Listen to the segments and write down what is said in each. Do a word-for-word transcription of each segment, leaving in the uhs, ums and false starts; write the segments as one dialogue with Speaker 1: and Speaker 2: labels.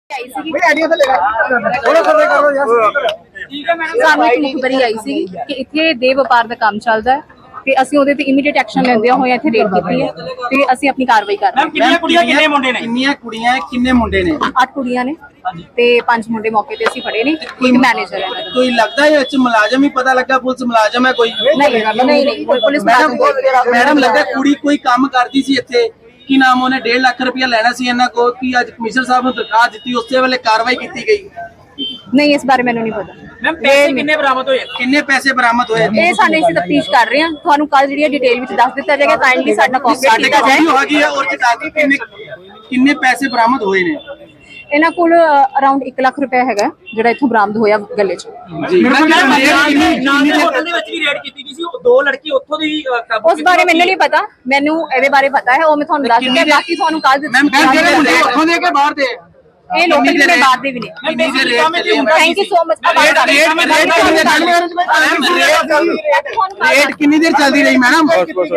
Speaker 1: आई सी
Speaker 2: भाई आइडिया तो लेगा थोड़ा सर्वे करो यार
Speaker 1: ठीक है मैडम ਸਾਨੂੰ ਇੱਕ ਮੁਖਬਰੀ ਆਈ ਸੀ ਕਿ ਇੱਥੇ ਦੇ ਵਪਾਰ ਦਾ ਕੰਮ ਚੱਲਦਾ ਹੈ ਤੇ ਅਸੀਂ ਉਹਦੇ ਤੇ ਇਮੀਡੀਏਟ ਐਕਸ਼ਨ ਲੈਂਦੇ ਹੋਏ ਇੱਥੇ ਰੇਡ ਕੀਤੀ ਹੈ ਤੇ ਅਸੀਂ ਆਪਣੀ ਕਾਰਵਾਈ ਕਰ ਰਹੇ ਹਾਂ।
Speaker 3: ਕਿੰਨੀਆਂ ਕੁੜੀਆਂ ਕਿੰਨੇ ਮੁੰਡੇ ਨੇ?
Speaker 2: ਕਿੰਨੀਆਂ ਕੁੜੀਆਂ ਕਿੰਨੇ ਮੁੰਡੇ ਨੇ?
Speaker 1: ਅੱਠ ਕੁੜੀਆਂ ਨੇ ਤੇ ਪੰਜ ਮੁੰਡੇ ਮੌਕੇ ਤੇ ਅਸੀਂ ਫੜੇ ਨੇ। ਇੱਕ ਮੈਨੇਜਰ ਹੈ।
Speaker 2: ਕੋਈ ਲੱਗਦਾ ਹੈ ਵਿੱਚ ਮੁਲਾਜ਼ਮ ਹੀ ਪਤਾ ਲੱਗਾ ਪੁਲਿਸ ਮੁਲਾਜ਼ਮ ਹੈ ਕੋਈ?
Speaker 1: ਨਹੀਂ ਨਹੀਂ ਨਹੀਂ ਕੋਈ ਪੁਲਿਸ
Speaker 2: ਮੈਡਮ ਮੈਡਮ ਲੱਗਾ ਕੁੜੀ ਕੋਈ ਕੰਮ ਕਰਦੀ ਸੀ ਇੱਥੇ ਕੀ ਨਾਮ ਉਹਨੇ ਡੇਢ ਲੱਖ ਰੁਪਇਆ ਲੈਣਾ ਸੀ ਇਹਨਾਂ ਕੋਲ ਕਿ ਅੱਜ ਕਮਿਸ਼ਨਰ ਸਾਹਿਬ ਨੂੰ ਦਰਖਾਸਤ ਦਿੱਤੀ ਉਸੇ ਵੇਲੇ ਕਾਰਵਾਈ ਕੀਤੀ ਗਈ?
Speaker 1: ਨਹੀਂ ਇਸ ਬਾਰੇ ਮੈਨੂੰ ਨਹੀਂ ਪਤਾ।
Speaker 3: ਮੈਮ ਪੈਸੇ ਕਿੰਨੇ ਬਰਾਮਦ ਹੋਏ?
Speaker 2: ਕਿੰਨੇ ਪੈਸੇ ਬਰਾਮਦ ਹੋਏ?
Speaker 1: ਇਹ ਸਾਨੂੰ ਅਸੀਂ ਤਫਤੀਸ਼ ਕਰ ਰਹੇ ਹਾਂ। ਤੁਹਾਨੂੰ ਕੱਲ ਜਿਹੜੀ ਡਿਟੇਲ ਵਿੱਚ ਦੱਸ ਦਿੱਤਾ ਜਾਏਗਾ। ਕਾਈਂਡਲੀ ਸਾਡਾ ਕੋਆਪਰੇਟ ਕੀਤਾ ਜਾਏ।
Speaker 2: ਹੈਗੀ ਆ ਔਰ ਚਟਾਕੀ ਕਿੰਨੇ ਕਿੰਨੇ ਪੈਸੇ ਬਰਾਮਦ ਹੋਏ ਨੇ?
Speaker 1: ਇਹਨਾਂ ਕੋਲ ਅਰਾਊਂਡ ਇੱਕ ਲੱਖ ਰੁਪਏ ਹੈਗਾ ਜਿਹੜਾ ਇੱਥੋਂ ਬਰਾਮਦ ਹੋਇਆ ਗੱਲੇ 'ਚ।
Speaker 2: ਜੀ
Speaker 3: ਹੋਟਲ ਦੇ ਵਿੱਚ ਵੀ ਰੇਡ ਕੀਤੀ ਗਈ ਸੀ। ਉਹ ਦੋ ਲੜਕੀ ਉੱਥੋਂ ਦੀ ਕਾਬੂ
Speaker 1: ਉਸ ਬਾਰੇ ਮੈਨੂੰ ਨਹੀਂ ਪਤਾ। ਮੈਨੂੰ ਇਹਦੇ ਬਾਰੇ ਪਤਾ ਹੈ। ਉਹ ਮੈਂ ਤੁਹਾਨੂੰ ਦੱਸ ਦਿੱਤਾ। ਬਾਕੀ ਤੁਹਾਨੂੰ ਕੱਲ
Speaker 2: ਮੈਮ ਜਿਹੜੇ ਮੁੰਡੇ ਉੱਥੋਂ ਦੇ ਕੇ ਬਾਹਰ ਦੇ
Speaker 1: ਇਹ ਲੋਕਲ ਜਿਹੜੇ ਬਾਹਰ ਦੇ ਵੀ ਨੇ। Thank you so much.
Speaker 2: Rate ਕਿੰਨੀ ਦੇਰ ਚੱਲਦੀ ਰਹੀ ਮੈਡਮ?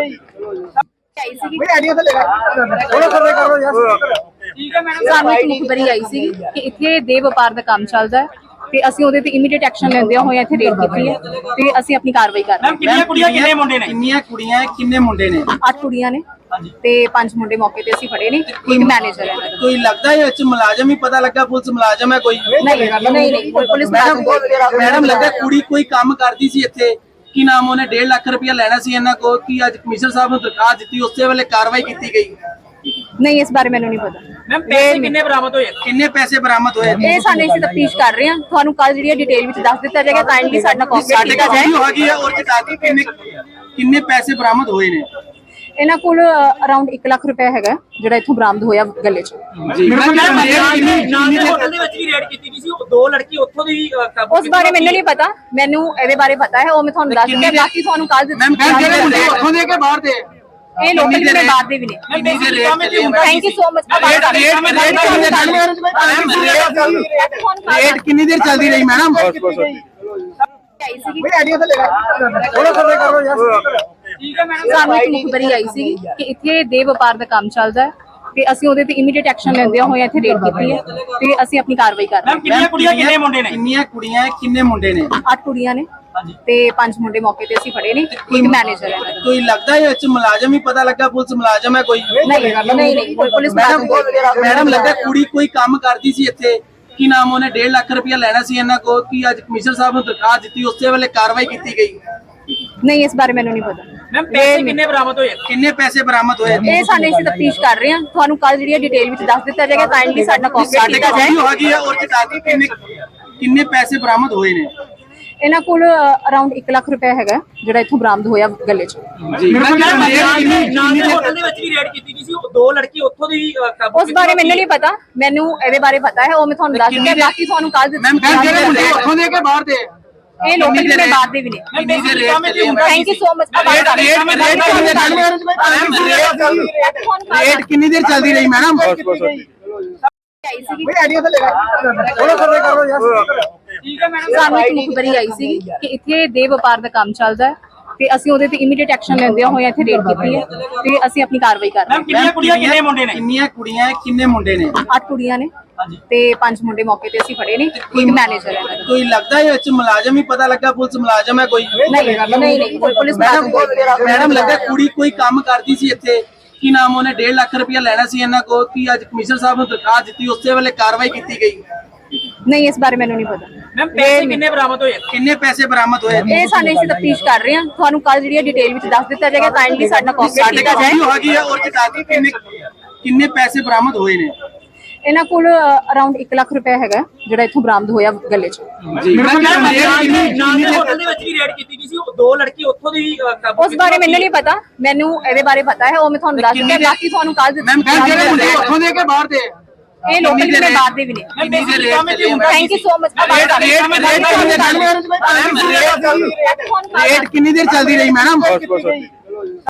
Speaker 1: ਆਈ
Speaker 2: ਆਈਡੀਆ ਤਾਂ ਲੈਗਾ ਥੋੜਾ ਸਰਵੇ ਕਰੋ ਯਾਰ
Speaker 3: ਠੀਕ ਹੈ ਮੈਡਮ
Speaker 1: ਸਾਨੂੰ ਇੱਕ ਮੁਖਬਰੀ ਆਈ ਸੀ ਕਿ ਇੱਥੇ ਦੇ ਵਪਾਰ ਦਾ ਕੰਮ ਚੱਲਦਾ ਹੈ ਤੇ ਅਸੀਂ ਉਹਦੇ ਤੇ ਇਮੀਡੀਏਟ ਐਕਸ਼ਨ ਲੈਂਦੇ ਹੋਏ ਇੱਥੇ ਰੇਡ ਕੀਤੀ ਹੈ ਤੇ ਅਸੀਂ ਆਪਣੀ ਕਾਰਵਾਈ ਕਰ ਰਹੇ
Speaker 3: ਮੈਮ ਕਿੰਨੀਆਂ ਕੁੜੀਆਂ ਕਿੰਨੇ ਮੁੰਡੇ ਨੇ?
Speaker 2: ਕਿੰਨੀਆਂ ਕੁੜੀਆਂ ਕਿੰਨੇ ਮੁੰਡੇ ਨੇ?
Speaker 1: ਹਾਂ। ਅੱਠ ਕੁੜੀਆਂ ਨੇ ਤੇ ਪੰਜ ਮੁੰਡੇ ਮੌਕੇ ਤੇ ਅਸੀਂ ਫੜੇ ਨੇ। ਇੱਕ ਮੈਨੇਜਰ ਹੈ।
Speaker 2: ਕੋਈ ਲੱਗਦਾ ਹੈ ਵਿੱਚ ਮੁਲਾਜ਼ਮ ਹੀ ਪਤਾ ਲੱਗਾ ਪੁਲਿਸ ਮੁਲਾਜ਼ਮ ਹੈ ਕੋਈ?
Speaker 1: ਨਹੀਂ ਨਹੀਂ ਨਹੀਂ ਕੋਈ ਪੁਲਿਸ
Speaker 2: ਮੈਡਮ ਲੱਗਾ ਕੁੜੀ ਕੋਈ ਕੰਮ ਕਰਦੀ ਸੀ ਇੱਥੇ ਕੀ ਨਾਮ ਉਹਨੇ ਡੇਢ ਲੱਖ ਰੁਪਇਆ ਲੈਣਾ ਸੀ ਇਹਨਾਂ ਕੋਲ ਕਿ ਅੱਜ ਕਮਿਸ਼ਨਰ ਸਾਹਿਬ ਨੂੰ ਦਰਖਾਸਤ ਦਿੱਤੀ ਉਸੇ ਵੇਲੇ ਕਾਰਵਾਈ ਕੀਤੀ ਗਈ?
Speaker 1: ਨਹੀਂ ਇਸ ਬਾਰੇ ਮੈਨੂੰ ਨਹੀਂ ਪਤਾ।
Speaker 3: ਮੈਮ ਪੈਸੇ ਕਿੰਨੇ ਬਰਾਮਦ ਹੋਏ?
Speaker 2: ਕਿੰਨੇ ਪੈਸੇ ਬਰਾਮਦ ਹੋਏ?
Speaker 1: ਇਹ ਸਾਨੂੰ ਅਸੀਂ ਤਫਤੀਸ਼ ਕਰ ਰਹੇ ਹਾਂ। ਤੁਹਾਨੂੰ ਕੱਲ ਜਿਹੜੀ ਡਿਟੇਲ ਵਿੱਚ ਦੱਸ ਦਿੱਤਾ ਜਾਏਗਾ। ਕਾਈਂਡਲੀ ਸਾਡਾ ਕੋਆਪਰੇਟ ਕੀਤਾ ਜਾਏ।
Speaker 2: ਹੈਗੀ ਆ ਔਰ ਚਟਾਕੀ ਕਿੰਨੇ ਕਿੰਨੇ ਪੈਸੇ ਬਰਾਮਦ ਹੋਏ ਨੇ?
Speaker 1: ਇਹਨਾਂ ਕੋਲ ਅਰਾਊਂਡ ਇੱਕ ਲੱਖ ਰੁਪਏ ਹੈਗਾ ਜਿਹੜਾ ਇੱਥੋਂ ਬਰਾਮਦ ਹੋਇਆ ਗੱਲੇ 'ਚ।
Speaker 2: ਜੀ
Speaker 3: ਹੋਟਲ ਦੇ ਵਿੱਚ ਵੀ ਰੇਡ ਕੀਤੀ ਗਈ ਸੀ। ਉਹ ਦੋ ਲੜਕੀ ਉੱਥੋਂ ਦੀ ਕਾਬੂ
Speaker 1: ਉਸ ਬਾਰੇ ਮੈਨੂੰ ਨਹੀਂ ਪਤਾ। ਮੈਨੂੰ ਇਹਦੇ ਬਾਰੇ ਪਤਾ ਹੈ। ਉਹ ਮੈਂ ਤੁਹਾਨੂੰ ਦੱਸ ਦਿੱਤਾ। ਬਾਕੀ ਤੁਹਾਨੂੰ ਕੱਲ
Speaker 2: ਮੈਮ ਜਿਹੜੇ ਮੁੰਡੇ ਉੱਥੋਂ ਦੇ ਕੇ ਬਾਹਰ ਦੇ
Speaker 1: ਇਹ ਲੋਕਲ ਜਿਹੜੇ ਬਾਹਰ ਦੇ ਵੀ ਨੇ। Thank you so much.
Speaker 2: Rate ਕਿੰਨੀ ਦੇਰ ਚੱਲਦੀ ਰਹੀ ਮੈਡਮ?
Speaker 1: ਆਈ ਸੀ
Speaker 2: ਆਈਡੀਆ ਤਾਂ ਲੈਗਾ ਥੋੜਾ ਸਰਵੇ ਕਰੋ ਯਾਰ
Speaker 3: ਠੀਕ ਹੈ ਮੈਡਮ
Speaker 1: ਸਾਨੂੰ ਇੱਕ ਮੁਖਬਰੀ ਆਈ ਸੀ ਕਿ ਇੱਥੇ ਦੇ ਵਪਾਰ ਦਾ ਕੰਮ ਚੱਲਦਾ ਹੈ ਤੇ ਅਸੀਂ ਉਹਦੇ ਤੇ ਇਮੀਡੀਏਟ ਐਕਸ਼ਨ ਲੈਂਦੇ ਹੋਏ ਇੱਥੇ ਰੇਡ ਕੀਤੀ ਹੈ ਤੇ ਅਸੀਂ ਆਪਣੀ ਕਾਰਵਾਈ ਕਰ ਰਹੇ
Speaker 3: ਮੈਮ ਕਿੰਨੀਆਂ ਕੁੜੀਆਂ ਕਿੰਨੇ ਮੁੰਡੇ ਨੇ?
Speaker 2: ਕਿੰਨੀਆਂ ਕੁੜੀਆਂ ਕਿੰਨੇ ਮੁੰਡੇ ਨੇ?
Speaker 1: ਹਾਂ। ਅੱਠ ਕੁੜੀਆਂ ਨੇ ਤੇ ਪੰਜ ਮੁੰਡੇ ਮੌਕੇ ਤੇ ਅਸੀਂ ਫੜੇ ਨੇ। ਇੱਕ ਮੈਨੇਜਰ ਹੈ।
Speaker 2: ਕੋਈ ਲੱਗਦਾ ਹੈ ਵਿੱਚ ਮੁਲਾਜ਼ਮ ਹੀ ਪਤਾ ਲੱਗਾ ਪੁਲਿਸ ਮੁਲਾਜ਼ਮ ਹੈ ਕੋਈ?
Speaker 1: ਨਹੀਂ ਨਹੀਂ ਨਹੀਂ ਕੋਈ ਪੁਲਿਸ
Speaker 2: ਮੈਡਮ ਲੱਗਾ ਕੁੜੀ ਕੋਈ ਕੰਮ ਕਰਦੀ ਸੀ ਇੱਥੇ ਕੀ ਨਾਮ ਉਹਨੇ ਡੇਢ ਲੱਖ ਰੁਪਇਆ ਲੈਣਾ ਸੀ ਇਹਨਾਂ ਕੋਲ ਕਿ ਅੱਜ ਕਮਿਸ਼ਨਰ ਸਾਹਿਬ ਨੂੰ ਦਰਖਾਸਤ ਦਿੱਤੀ ਉਸੇ ਵੇਲੇ ਕਾਰਵਾਈ ਕੀਤੀ ਗਈ?
Speaker 1: ਨਹੀਂ ਇਸ ਬਾਰੇ ਮੈਨੂੰ ਨਹੀਂ ਪਤਾ।
Speaker 3: ਮੈਮ ਪੈਸੇ ਕਿੰਨੇ ਬਰਾਮਦ ਹੋਏ?
Speaker 2: ਕਿੰਨੇ ਪੈਸੇ ਬਰਾਮਦ ਹੋਏ?
Speaker 1: ਇਹ ਸਾਨੂੰ ਅਸੀਂ ਤਫਤੀਸ਼ ਕਰ ਰਹੇ ਹਾਂ। ਤੁਹਾਨੂੰ ਕੱਲ ਜਿਹੜੀ ਡਿਟੇਲ ਵਿੱਚ ਦੱਸ ਦਿੱਤਾ ਜਾਏਗਾ। ਕਾਈਂਡਲੀ ਸਾਡਾ ਕੋਆਪਰੇਟ ਕੀਤਾ ਜਾਏ।
Speaker 2: ਹੈਗੀ ਆ ਔਰ ਚਟਾਕੀ ਕਿੰਨੇ ਕਿੰਨੇ ਪੈਸੇ ਬਰਾਮਦ ਹੋਏ ਨੇ?
Speaker 1: ਇਹਨਾਂ ਕੋਲ ਅਰਾਊਂਡ ਇੱਕ ਲੱਖ ਰੁਪਏ ਹੈਗਾ ਜਿਹੜਾ ਇੱਥੋਂ ਬਰਾਮਦ ਹੋਇਆ ਗੱਲੇ 'ਚ।
Speaker 2: ਜੀ
Speaker 3: ਹੋਟਲ ਦੇ ਵਿੱਚ ਵੀ ਰੇਡ ਕੀਤੀ ਗਈ ਸੀ। ਉਹ ਦੋ ਲੜਕੀ ਉੱਥੋਂ ਦੀ ਕਾਬੂ
Speaker 1: ਉਸ ਬਾਰੇ ਮੈਨੂੰ ਨਹੀਂ ਪਤਾ। ਮੈਨੂੰ ਇਹਦੇ ਬਾਰੇ ਪਤਾ ਹੈ। ਉਹ ਮੈਂ ਤੁਹਾਨੂੰ ਦੱਸ ਦਿੱਤਾ। ਬਾਕੀ ਤੁਹਾਨੂੰ ਕੱਲ
Speaker 2: ਮੈਮ ਜਿਹੜੇ ਮੁੰਡੇ ਉੱਥੋਂ ਦੇ ਕੇ ਬਾਹਰ ਦੇ
Speaker 1: ਇਹ ਲੋਕਲ ਜਿਹੜੇ ਬਾਹਰ ਦੇ ਵੀ ਨੇ। Thank you so much.
Speaker 2: Rate ਕਿੰਨੀ ਦੇਰ ਚੱਲਦੀ ਰਹੀ ਮੈਡਮ?
Speaker 1: ਆਈ ਸੀ
Speaker 2: ਆਈਡੀਆ ਤਾਂ ਲੈਗਾ ਥੋੜਾ ਸਰਵੇ ਕਰੋ ਯਾਰ
Speaker 3: ਠੀਕ ਹੈ ਮੈਡਮ
Speaker 1: ਸਾਨੂੰ ਇੱਕ ਮੁਖਬਰੀ ਆਈ ਸੀ ਕਿ ਇੱਥੇ ਦੇ ਵਪਾਰ ਦਾ ਕੰਮ ਚੱਲਦਾ ਹੈ ਤੇ ਅਸੀਂ ਉਹਦੇ ਤੇ ਇਮੀਡੀਏਟ ਐਕਸ਼ਨ ਲੈਂਦੇ ਹੋਏ ਇੱਥੇ ਰੇਡ ਕੀਤੀ ਹੈ ਤੇ ਅਸੀਂ ਆਪਣੀ ਕਾਰਵਾਈ ਕਰ ਰਹੇ
Speaker 3: ਮੈਮ ਕਿੰਨੀਆਂ ਕੁੜੀਆਂ ਕਿੰਨੇ ਮੁੰਡੇ ਨੇ?
Speaker 2: ਕਿੰਨੀਆਂ ਕੁੜੀਆਂ ਕਿੰਨੇ ਮੁੰਡੇ ਨੇ?
Speaker 1: ਹਾਂ। ਅੱਠ ਕੁੜੀਆਂ ਨੇ ਤੇ ਪੰਜ ਮੁੰਡੇ ਮੌਕੇ ਤੇ ਅਸੀਂ ਫੜੇ ਨੇ। ਇੱਕ ਮੈਨੇਜਰ ਹੈ।
Speaker 2: ਕੋਈ ਲੱਗਦਾ ਹੈ ਵਿੱਚ ਮੁਲਾਜ਼ਮ ਹੀ ਪਤਾ ਲੱਗਾ ਪੁਲਿਸ ਮੁਲਾਜ਼ਮ ਹੈ ਕੋਈ?
Speaker 1: ਨਹੀਂ ਨਹੀਂ ਨਹੀਂ ਕੋਈ ਪੁਲਿਸ
Speaker 2: ਮੈਡਮ ਲੱਗਾ ਕੁੜੀ ਕੋਈ ਕੰਮ ਕਰਦੀ ਸੀ ਇੱਥੇ ਕੀ ਨਾਮ ਉਹਨੇ ਡੇਢ ਲੱਖ ਰੁਪਇਆ ਲੈਣਾ ਸੀ ਇਹਨਾਂ ਕੋਲ ਕਿ ਅੱਜ ਕਮਿਸ਼ਨਰ ਸਾਹਿਬ ਨੂੰ ਦਰਖਾਸਤ ਦਿੱਤੀ ਉਸੇ ਵੇਲੇ ਕਾਰਵਾਈ ਕੀਤੀ ਗਈ?
Speaker 1: ਨਹੀਂ ਇਸ ਬਾਰੇ ਮੈਨੂੰ ਨਹੀਂ ਪਤਾ।
Speaker 3: ਮੈਮ ਪੈਸੇ ਕਿੰਨੇ ਬਰਾਮਦ ਹੋਏ?
Speaker 2: ਕਿੰਨੇ ਪੈਸੇ ਬਰਾਮਦ ਹੋਏ?
Speaker 1: ਇਹ ਸਾਨੂੰ ਅਸੀਂ ਤਫਤੀਸ਼ ਕਰ ਰਹੇ ਹਾਂ। ਤੁਹਾਨੂੰ ਕੱਲ ਜਿਹੜੀ ਡਿਟੇਲ ਵਿੱਚ ਦੱਸ ਦਿੱਤਾ ਜਾਏਗਾ। ਕਾਈਂਡਲੀ ਸਾਡਾ ਕੋਆਪਰੇਟ ਕੀਤਾ ਜਾਏ।
Speaker 2: ਹੈਗੀ ਆ ਔਰ ਚਟਾਕੀ ਕਿੰਨੇ ਕਿੰਨੇ ਪੈਸੇ ਬਰਾਮਦ ਹੋਏ ਨੇ?
Speaker 1: ਇਹਨਾਂ ਕੋਲ ਅਰਾਊਂਡ ਇੱਕ ਲੱਖ ਰੁਪਏ ਹੈਗਾ ਜਿਹੜਾ ਇੱਥੋਂ ਬਰਾਮਦ ਹੋਇਆ ਗੱਲੇ 'ਚ।
Speaker 2: ਜੀ
Speaker 3: ਹੋਟਲ ਦੇ ਵਿੱਚ ਵੀ ਰੇਡ ਕੀਤੀ ਗਈ ਸੀ। ਉਹ ਦੋ ਲੜਕੀ ਉੱਥੋਂ ਦੀ ਕਾਬੂ
Speaker 1: ਉਸ ਬਾਰੇ ਮੈਨੂੰ ਨਹੀਂ ਪਤਾ। ਮੈਨੂੰ ਇਹਦੇ ਬਾਰੇ ਪਤਾ ਹੈ। ਉਹ ਮੈਂ ਤੁਹਾਨੂੰ ਦੱਸ ਦਿੱਤਾ। ਬਾਕੀ ਤੁਹਾਨੂੰ ਕੱਲ
Speaker 2: ਮੈਮ ਜਿਹੜੇ ਮੁੰਡੇ ਉੱਥੋਂ ਦੇ ਕੇ ਬਾਹਰ ਦੇ
Speaker 1: ਇਹ ਲੋਕਲ ਜਿਹੜੇ ਬਾਹਰ ਦੇ ਵੀ ਨੇ। Thank you so much.
Speaker 2: Rate ਕਿੰਨੀ ਦੇਰ ਚੱਲਦੀ ਰਹੀ ਮੈਡਮ?